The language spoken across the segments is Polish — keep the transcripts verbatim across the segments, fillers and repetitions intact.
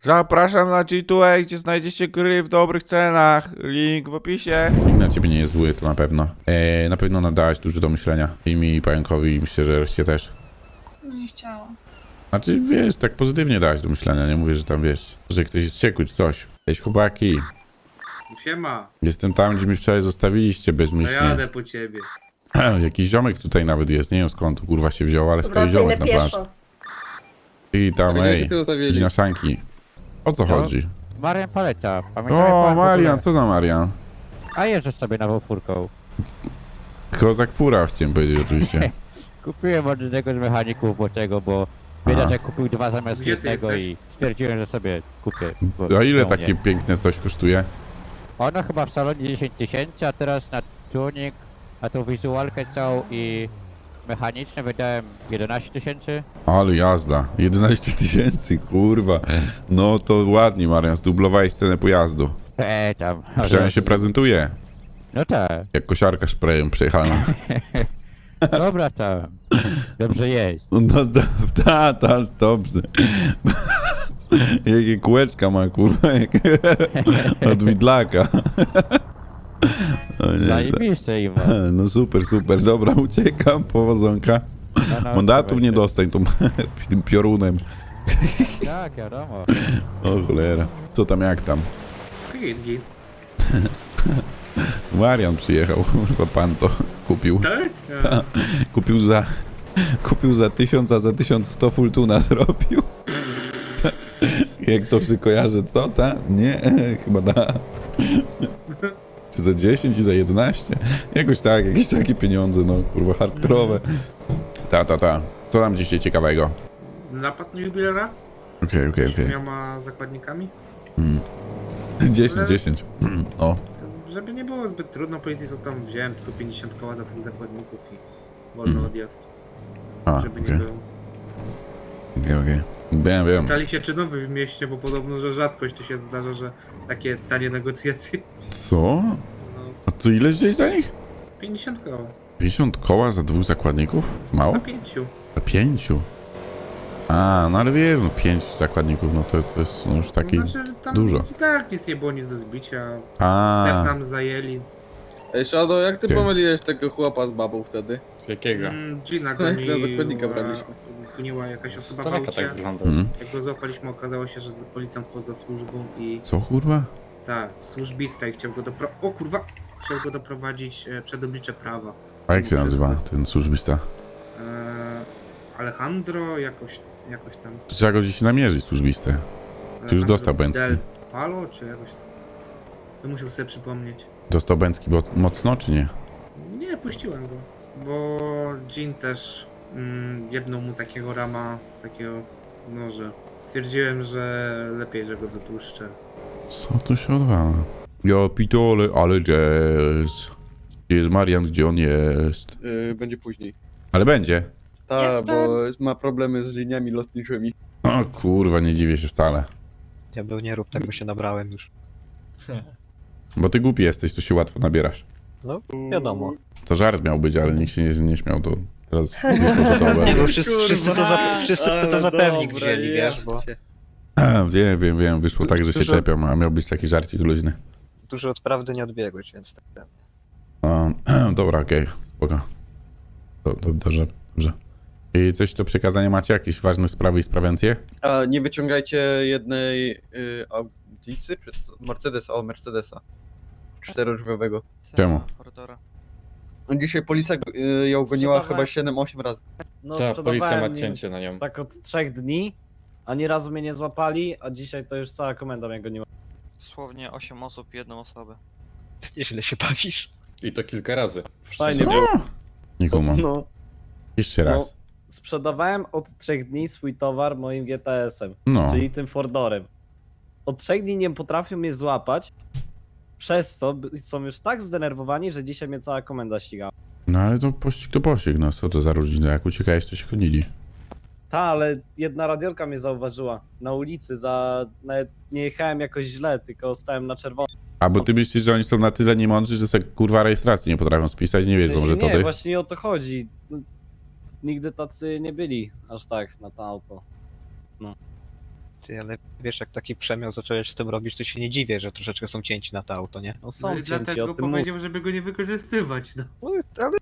Zapraszam na G dwa A, gdzie znajdziecie gry w dobrych cenach. Link w opisie. Nikt na ciebie nie jest zły, to na pewno. Eee, na pewno nadałeś dużo do myślenia. I mi, i pająkowi, i myślę, że reszcie też. Nie chciałam. Znaczy, wiesz, tak pozytywnie dałaś do myślenia. Nie mówię, że tam, wiesz, że ktoś jest wściekły czy coś. Cześć, chłopaki. Siema, Jestem tam, gdzie mi wczoraj zostawiliście to bezmyślnie. jadę po ciebie. Jakiś ziomek tutaj nawet jest. Nie wiem skąd tu kurwa się wziął, ale stoi Wracaj na ziomek na plaży. pieszo. I tam, Ale ej, gdzie tylko idź zostawili? na sanki. O co No. chodzi? Marian Paleta. Pamiętam, jak O, pan w Marian, ogóle- co za Marian? A jeżdżę sobie nową furką. Kozak fura, chciałem powiedzieć oczywiście. Kupiłem od jednego z mechaników bo tego, bo Aha. biedaczek kupił dwa zamiast Gdzie ty jednego jesteś? i stwierdziłem, że sobie kupię. bo A ile czemu takie nie? piękne coś kosztuje? Ono chyba w salonie dziesięć tysięcy, a teraz na tuning, na tą wizualkę całą i mechaniczne wydałem jedenaście tysięcy. Ale jazda, jedenaście tysięcy, kurwa. No to ładnie, Marian, zdublowałeś cenę pojazdu. Eee, tam. Przynajmniej się prezentuje. No tak. Jak kosiarka szprejem przejechana. Dobra tam. Dobrze jest. No to, ta, ta, dobrze. Jakie kółeczka ma, kurwa, jak od widlaka. O, nie, Zajebiście im. no super, super, dobra, uciekam, powodzonka. No, no, Mandatów nie weźcie. dostań tą, tym piorunem. Tak, wiadomo. O cholera. Co tam, jak tam? Git, git. Marian przyjechał, kurwa, pan to kupił. Tak? A, Kupił za... Kupił za tysiąc, a za tysiąc sto fulltuna zrobił. Jak to się kojarzy, co ta? Nie, chyba da. Czy za dziesięć i za jedenaście? Jakoś tak, jakieś takie pieniądze, no kurwa, hardkorowe. Ta, ta, ta. Co tam dzisiaj ciekawego? napad na jubilera? Okej, okej, okej. Dwiema zakładnikami? dziesięć, dziesięć. O, To, żeby nie było zbyt trudno, policji co tam wziąłem tylko pięćdziesiąt koła za tych zakładników i wolny odjazd. a, Żeby okej, nie było. okej, okej. Wiem, wiem. Pytali się czy nowy w mieście, bo podobno, że rzadkość tu się zdarza, że takie tanie negocjacje. Co? No, A to ile gdzieś za nich? pięćdziesiąt koła. pięćdziesiąt koła za dwóch zakładników? Mało? Za pięciu. Za pięciu? A, no ale wiesz, no pięć zakładników, no to, to jest no już taki... No, znaczy, tam dużo. I tak nic nie było, nic do zbicia. Sklep A, nam zajęli. Ej, Shadow, jak ty Okej. pomyliłeś tego chłopa z babą wtedy? Jakiego? Mm, Gina Na goniła, zakładnika braliśmy. goniła jakaś Z osoba w daleka aucie. tak wygląda. mm. Jak go złapaliśmy, okazało się, że policjant poza służbą i Co kurwa? tak, służbista i chciał go dopro... O kurwa! Chciał go doprowadzić e, przed oblicze prawa. A jak się nazywa ten służbista? E, Alejandro jakoś, jakoś tam. Trzeba go gdzieś namierzyć, służbistę. Czy już Alejandro dostał Bęcki? Del Palo, czy jakoś tam. To musiał sobie przypomnieć. Dostał Bęcki bo mocno, czy nie? Nie, puściłem go. Bo Jean też mm, jebnął mu takiego rama, takiego, no że stwierdziłem, że lepiej, że go wypuszczę. Co tu się odwala? Ja pitole, ale jazz. Gdzie jest Marian, gdzie on jest? Yy, będzie później. Ale będzie. Tak, Jestem. bo ma problemy z liniami lotniczymi. O kurwa, nie dziwię się wcale. Ja był nie rób tego, się nabrałem już. Bo ty głupi jesteś, to się łatwo nabierasz. No, wiadomo. To żart miał być, ale nikt się nie, nie śmiał, to teraz wyszło, że to Nie, bo oberwie. wszyscy, wszyscy to, za, wszyscy to za pewnik wzięli, wiesz, bo Wiem, wiem, wiem, wyszło tak, że się Dużo- czepiam, a miał być taki żarcik luźny. dużo od prawdy nie odbiegłeś, więc tak. A, dobra, okej, spoko. Do, do, dobrze, dobrze. I coś do przekazania macie? Jakieś ważne sprawy i sprawencje? A nie wyciągajcie jednej yy, Audisy, czy co? Mercedesa, o Mercedesa. Czterodrzwiowego. Czemu? No dzisiaj policja yy, ją goniła Sprzedawałem. chyba siedem osiem razy. No, Tak, policja ma sprzedawałem cięcie na nią. tak od trzech dni, ani razu mnie nie złapali, a dzisiaj to już cała komenda mnie goniła. Dosłownie osiem osób, jedną osobę. Nieźle się bawisz. I to kilka razy. Fajnie Wszyscy było. Nie kumam. No, Jeszcze no, raz. sprzedawałem od trzech dni swój towar moim G T S-em, No. czyli tym Fordorem. Od trzech dni nie potrafią mnie złapać, przez co b- są już tak zdenerwowani, że dzisiaj mnie cała komenda ścigała. No ale to pościg to pościg, no co to za różnica? Jak uciekałeś, to się gonili. Ta, ale jedna radiolka mnie zauważyła na ulicy, za... nawet nie jechałem jakoś źle, tylko stałem na czerwono. A bo ty myślisz, że oni są na tyle niemądrzy, że sobie kurwa rejestracji nie potrafią spisać, nie W wiedzą, sensie że to nie, ty? właśnie o to chodzi. No, nigdy tacy nie byli aż tak na to auto. Ty, ale wiesz, jak taki przemiał zacząłeś z tym robić, to się nie dziwię, że troszeczkę są cięci na to auto, nie? No No są i cięci, o dlatego tym mówię. powiedział, żeby go nie wykorzystywać, no. No, ale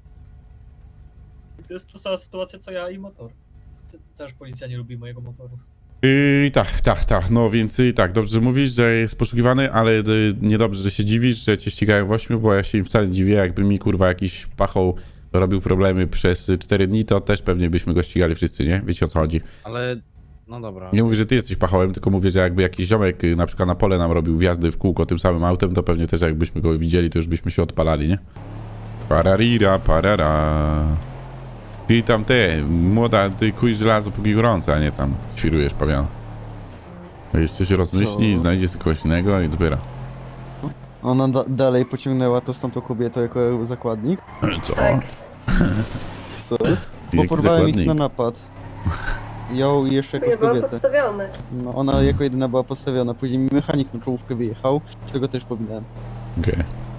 To jest ta sama sytuacja co ja i motor. Te- Też policja nie lubi mojego motoru. Yy, tak, tak, tak, no więc i tak, dobrze że mówisz, że jest poszukiwany, ale y, niedobrze, że się dziwisz, że cię ścigają w ośmiu, bo ja się im wcale nie dziwię, jakby mi kurwa jakiś pachoł robił problemy przez cztery dni, to też pewnie byśmy go ścigali wszyscy, nie? Wiecie o co chodzi. Ale, no dobra. Nie mówię, że ty jesteś pachołem, tylko mówię, że jakby jakiś ziomek y, na przykład na pole nam robił wjazdy w kółko tym samym autem, to pewnie też jakbyśmy go widzieli, to już byśmy się odpalali, nie? Pararira, parara. Ty tam te, młoda, ty kuj żelazo póki gorące, a nie tam świrujesz pawian. Jeszcze się rozmyśli, Co? znajdzie sobie kogoś innego i dopiero. Ona da dalej pociągnęła to z tamtą kobietą jako zakładnik. Co? Tak. Co? Bo Jaki porwałem ich zakładnik? na napad. Ją i jeszcze Ja jakąś byłam kobietę. podstawiony. No, ona jako jedyna była postawiona. Później mi mechanik na czołówkę wyjechał, czego też pominąłem. Okej.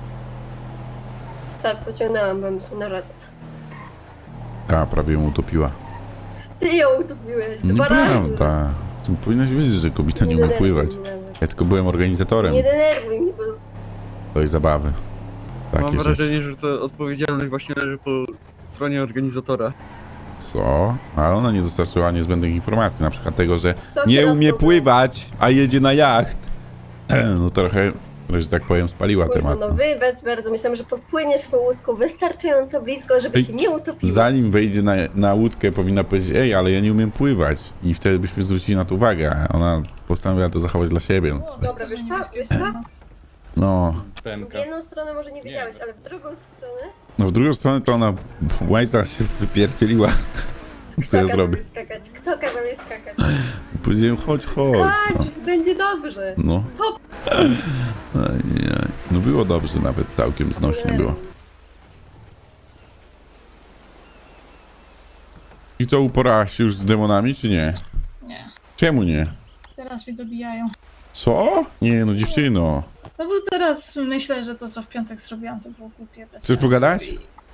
Tak, pociągnęłam, byłem su na radce. A, prawie ją utopiła. Ty ją utopiłeś dwa razy. Nieprawda. Ty powinnaś wiedzieć, że kobieta nie umie denerwuj pływać. mnie nawet. Ja tylko byłem organizatorem Nie denerwuj mnie, bo tej zabawy. Takie Mam rzeczy. wrażenie, że to odpowiedzialność właśnie leży po stronie organizatora. Co? Ale ona nie dostarczyła niezbędnych informacji, na przykład tego, że kto nie kierowcą umie był? pływać, a jedzie na jacht. No trochę, że tak powiem, spaliła Kurwa, temat. no wybacz bardzo, myślałam, że podpłyniesz tą łódką wystarczająco blisko, żeby Ej, się nie utopiła. Zanim wejdzie na, na łódkę, powinna powiedzieć, ej, ale ja nie umiem pływać. I wtedy byśmy zwrócili na to uwagę, a ona postanowiła to zachować dla siebie. No, Dobra, wiesz co, wiesz co? no, W jedną stronę może nie wiedziałeś, ale w drugą stronę... no w drugą stronę to ona łajca się wypierdzieliła. Co Kto ja kazał zrobię? jej skakać? Kto kazał jej skakać? Powiedziałem, chodź, chodź. No. Skacz, będzie dobrze. No. Top. Ajaj. No było dobrze, nawet całkiem znośnie było. I co, uporałaś się już z demonami, czy nie? Nie, Czemu nie? teraz mnie dobijają. Co? Nie, no dziewczyno. No bo teraz myślę, że to co w piątek zrobiłam to było głupie. bez Chcesz sensu. pogadać?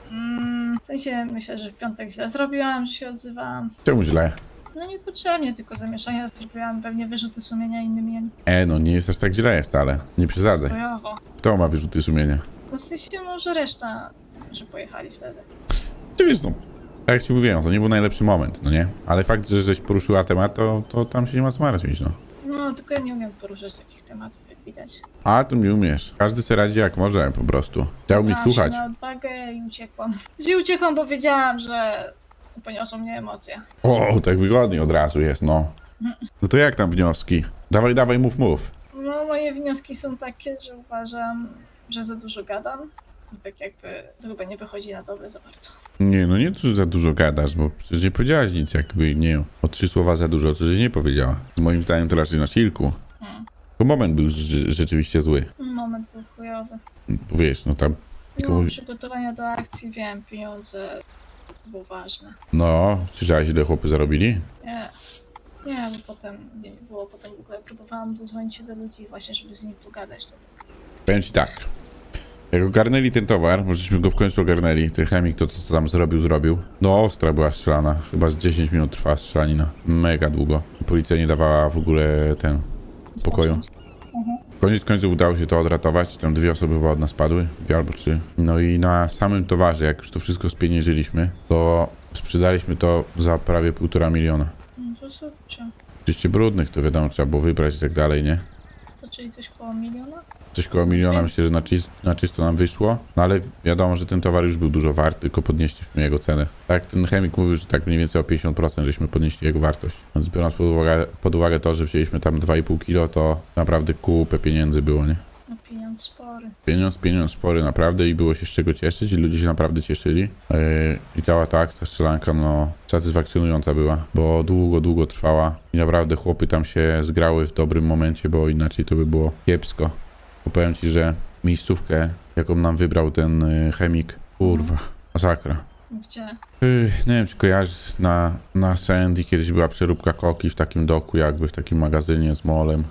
Mm, w sensie myślę, że w piątek źle zrobiłam, że się odzywałam. Czemu źle? No niepotrzebnie, tylko zamieszania zrobiłam, pewnie wyrzuty sumienia innymi, E, no nie jest aż tak źle wcale. Nie przesadzaj. bojowo. Kto ma wyrzuty sumienia? No w sensie może reszta, że pojechali wtedy. Ty wiesz, no. Tak jak ci mówiłem, to nie był najlepszy moment, no nie? Ale fakt, że żeś poruszyła temat, to, to tam się nie ma co martwić, no. No tylko ja nie umiem poruszać takich tematów, jak widać. A, to nie umiesz. Każdy se radzi jak może, po prostu. Chciał mi Dałam się słuchać. na odwagę i uciekłam. Czyli uciekłam, bo wiedziałam, że poniosą mnie emocje. O, tak wygodnie od razu jest, no. No to jak tam wnioski? Dawaj, dawaj, mów, mów. No moje wnioski są takie, że uważam, że za dużo gadam. I tak jakby to chyba nie wychodzi na dobre za bardzo. Nie, no nie to, że za dużo gadasz, bo przecież nie powiedziałaś nic, jakby nie o trzy słowa za dużo, to żeś nie powiedziała. Z moim zdaniem to raczej na chillku. Hmm. To moment był rze- rzeczywiście zły. Moment był chujowy. Bo wiesz, no tam... tylko No, mówi- przygotowania do akcji, wiem, pieniądze to było ważne. No, słyszałeś ile chłopy zarobili? Nie, nie, bo potem nie było, potem w ogóle próbowałam dodzwonić się do ludzi właśnie, żeby z nimi pogadać. To tak. Powiem ci tak. Jak ogarnęli ten towar, możeśmy go w końcu ogarnęli, ten chemik to, co tam zrobił, zrobił. No ostra była strzelana, chyba z dziesięć minut trwała strzelanina. Mega długo. Policja nie dawała w ogóle ten pokoju. Mhm. Koniec końców udało się to odratować, tam dwie osoby chyba od nas padły, dwie albo trzy. No i na samym towarze, jak już to wszystko spieniężyliśmy, to sprzedaliśmy to za prawie półtora miliona. No to super. Oczywiście brudnych, to wiadomo, trzeba było wybrać i tak dalej, nie? To czyli coś koło miliona? Coś koło miliona myślę, że na, czyst, na czysto nam wyszło, no ale wiadomo, że ten towar już był dużo wart, tylko podnieśliśmy jego cenę. Tak, ten chemik mówił, że tak mniej więcej o pięćdziesiąt procent żeśmy podnieśli jego wartość. Więc biorąc pod uwagę, pod uwagę to, że wzięliśmy tam dwa i pół kilo, to naprawdę kupę pieniędzy było, nie? No pieniądz spory. Pieniądz, pieniądz spory naprawdę i było się z czego cieszyć i ludzie się naprawdę cieszyli. Yy, I cała ta akcja strzelanka, no, satysfakcjonująca była, bo długo, długo trwała i naprawdę chłopy tam się zgrały w dobrym momencie, bo inaczej to by było kiepsko. Bo powiem ci, że miejscówkę, jaką nam wybrał ten yy, chemik, kurwa, masakra. Gdzie? Yy, nie wiem, czy kojarzysz, na, na Sandy kiedyś była przeróbka koki w takim doku, jakby w takim magazynie z molem.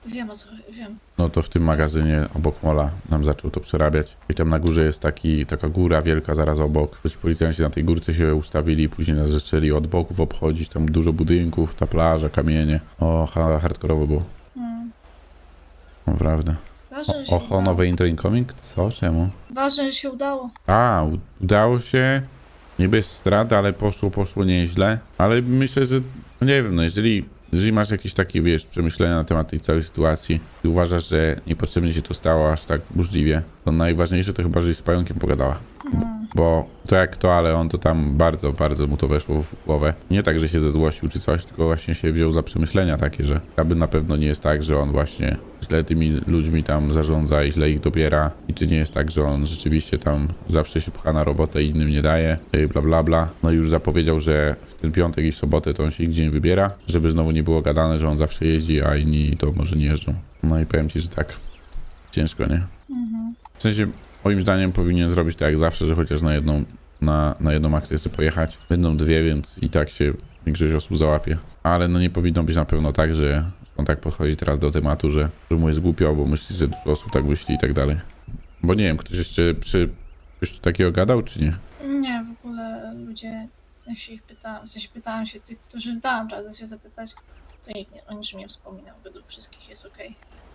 Wiem o co, wiem. No to w tym magazynie obok mola nam zaczął to przerabiać. I tam na górze jest taki, taka góra wielka zaraz obok. Coś policjanci na tej górce się ustawili, później nas zaczęli od boków obchodzić. Tam dużo budynków, ta plaża, kamienie. O, ha, hardkorowo było. Hmm. Naprawdę. Ważne, że O, się oho, udało. nowy intro incoming? Co? Czemu? Ważne, że się udało. A, u- udało się. Nie bez strat, ale poszło, poszło nieźle. Ale myślę, że, no nie wiem, no jeżeli, jeżeli masz jakieś takie, wiesz, przemyślenia na temat tej całej sytuacji i uważasz, że niepotrzebnie się to stało aż tak burzliwie, to najważniejsze to chyba, żeś z pająkiem pogadała. Hmm. Bo to jak to, ale on to tam bardzo, bardzo mu to weszło w głowę. Nie tak, że się zezłościł czy coś, tylko właśnie się wziął za przemyślenia takie, że aby na pewno nie jest tak, że on właśnie źle tymi ludźmi tam zarządza i źle ich dobiera. I czy nie jest tak, że on rzeczywiście tam zawsze się pcha na robotę i innym nie daje, i bla bla bla. No i już zapowiedział, że w ten piątek i w sobotę to on się nigdzie nie wybiera, żeby znowu nie było gadane, że on zawsze jeździ, a inni to może nie jeżdżą. No i powiem ci, że tak. Ciężko, nie? Mhm. W sensie, moim zdaniem powinien zrobić tak jak zawsze, że chociaż na jedną, na, na jedną akcję sobie pojechać. Będą dwie, więc i tak się większość osób załapie. Ale no nie powinno być na pewno tak, że on tak podchodzi teraz do tematu, że, że mu jest głupio, bo myśli, że dużo osób tak myśli i tak dalej. Bo nie wiem, ktoś jeszcze przy... Ktoś tu takiego gadał, czy nie? Nie, w ogóle ludzie, jak się ich pytałam, w sensie pytałam się tych, którzy dałam radę się zapytać, to nikt nie, o niczym nie wspominał, według wszystkich jest okej.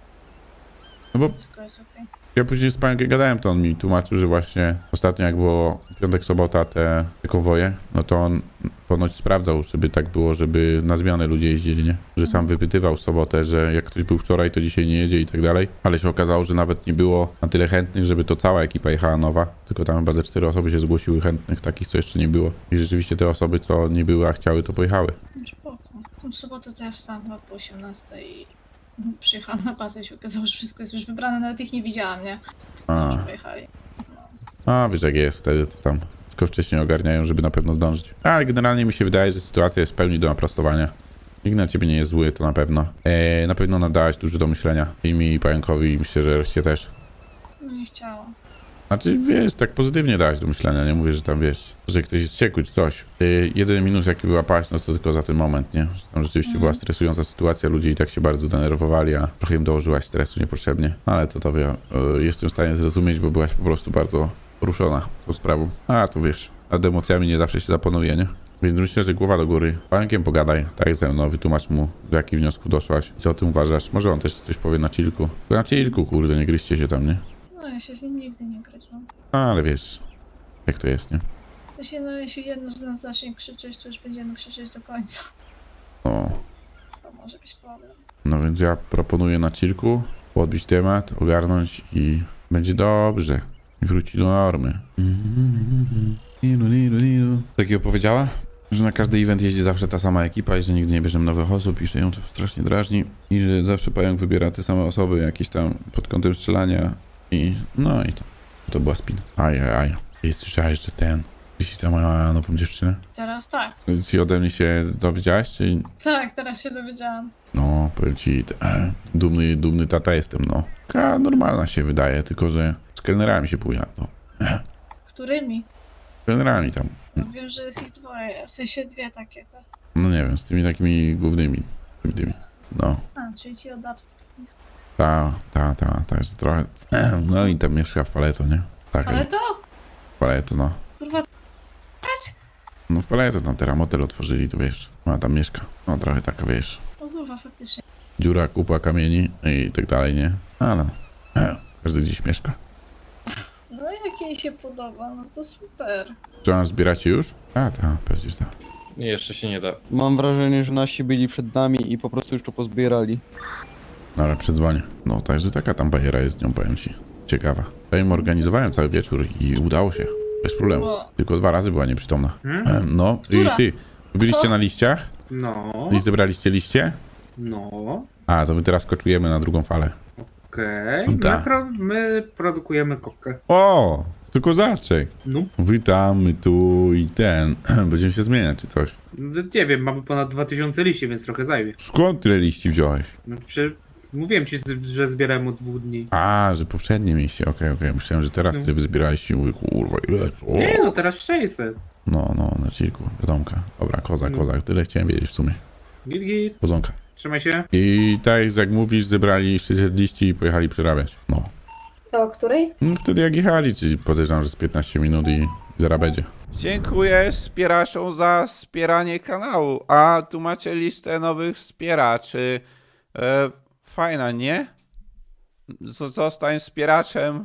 No bo Wszystko jest okej. ja później z panem gadałem, to on mi tłumaczył, że właśnie ostatnio jak było piątek, sobota te, te konwoje, no to on ponoć sprawdzał, żeby tak było, żeby na zmianę ludzie jeździli, nie? Że sam wypytywał w sobotę, że jak ktoś był wczoraj, to dzisiaj nie jedzie i tak dalej. Ale się okazało, że nawet nie było na tyle chętnych, żeby to cała ekipa jechała nowa. Tylko tam chyba ze cztery osoby się zgłosiły chętnych, takich co jeszcze nie było. I rzeczywiście te osoby, co nie były, a chciały, to pojechały. Spoko. W sobotę to ja wstałam chyba po osiemnastej i przyjechałam na bazę i się okazało, że wszystko jest już wybrane, nawet ich nie widziałam, nie? A, Już pojechali. No. a wiesz jak jest, wtedy to tam wszystko wcześniej ogarniają, żeby na pewno zdążyć. Ale generalnie mi się wydaje, że sytuacja jest w pełni do naprostowania. Nikt na ciebie nie jest zły, to na pewno. Eee, na pewno nadałaś dużo do myślenia. I mi, i pająkowi, i myślę, że reszcie też. No nie chciałam. Znaczy, wiesz, tak pozytywnie dałaś do myślenia, nie mówię, że tam, wiesz, że ktoś jest wściekły czy coś. Yy, jedyny minus, jaki wyłapałaś, no to tylko za ten moment, nie? Że tam rzeczywiście Mhm. była stresująca sytuacja, ludzie i tak się bardzo denerwowali, a trochę im dołożyłaś stresu niepotrzebnie. Ale to to wie, yy, jestem w stanie zrozumieć, bo byłaś po prostu bardzo ruszona tą sprawą. A, to wiesz, nad emocjami nie zawsze się zapanuje, nie? Więc myślę, że głowa do góry. Pająkiem pogadaj, tak jak ze mną, wytłumacz mu, do jakich wniosków doszłaś, co o tym uważasz. Może on też coś powie na chillku. Na chillku, kurde, nie gryźcie się tam, nie? No ja się z nim nigdy nie gryzłam. Ale wiesz, jak to jest, nie? W sensie, no jeśli jedno z nas zacznie krzyczeć, to już będziemy krzyczeć do końca. O, To może być problem. no więc ja proponuję na chillku podbić temat, ogarnąć i będzie dobrze. I wróci do normy. Takiego powiedziała? Że na każdy event jeździ zawsze ta sama ekipa i że nigdy nie bierzemy nowych osób i że ją to strasznie drażni. I że zawsze pająk wybiera te same osoby jakieś tam pod kątem strzelania i no i to. To była spina. Aj, aj, aj. I słyszałeś, że ten... Jeśli ta moja nową dziewczynę? Teraz tak. Czy ode mnie się dowiedziałaś, czy... Tak, teraz się dowiedziałam. No, powiem ci, e, dumny, dumny tata jestem, no. Taka normalna się wydaje, tylko że z kelnerami się pójdę, no. Którymi? Z kelnerami tam. No wiem, że jest ich dwoje, w sensie dwie takie, tak? No nie wiem, z tymi takimi głównymi. Tymi, tymi. No, A, czyli ci od upstream. ta, ta, ta, ta jest trochę... No i tam mieszka w Paleto, nie? Tak, Ale to, w Paleto, no. kurwa, No w Paleto tam teraz motel otworzyli, to wiesz, ona tam mieszka. No trochę taka, wiesz, o kurwa, faktycznie. dziura, kupa kamieni i tak dalej, nie? Ale no, każdy gdzieś mieszka. No jak jej się podoba, no to super. Czy ona zbieracie już? A, ta, pewnie, że tak. Nie, jeszcze się nie da. Mam wrażenie, że nasi byli przed nami i po prostu już to pozbierali. No ale przedzwonię. No także taka tam bajera jest z nią, powiem ci. Ciekawa. Ja im organizowałem cały wieczór i udało się. Bez problemu. Bo, Tylko dwa razy była nieprzytomna. Hmm? Em, No i Która? ty, wy byliście Co? na liściach? No, I zebraliście liście? no, A, to my teraz koczujemy na drugą falę. okej. My, Tak. pro, my produkujemy kokę. O, to kozaczek. No, Witamy tu i ten. Będziemy się zmieniać czy coś. no, nie wiem, mamy ponad dwa tysiące liści, więc trochę zajmie. Skąd tyle liści wziąłeś? No, przy... Mówiłem ci, że zbierałem od dwóch dni. A, że poprzednie mieliście, okej, okej. Myślałem, że teraz No. tyle wyzbieraliście i mówię, kurwa, ile co? Nie no, teraz sześćset. No, no, na chillku, wiadomka. Dobra, kozak, No. kozak, tyle chciałem wiedzieć w sumie. Git, git. Podzonka. Trzymaj się. I tak jak mówisz, zebrali sześćset liści i pojechali przerabiać. No. To o której? No wtedy jak jechali, czyli podejrzewam, że z piętnaście minut i zaraz będzie. Dziękuję wspieraczom za wspieranie kanału. A tu macie listę nowych wspieraczy. E, fajna, nie? Z- zostań wspieraczem.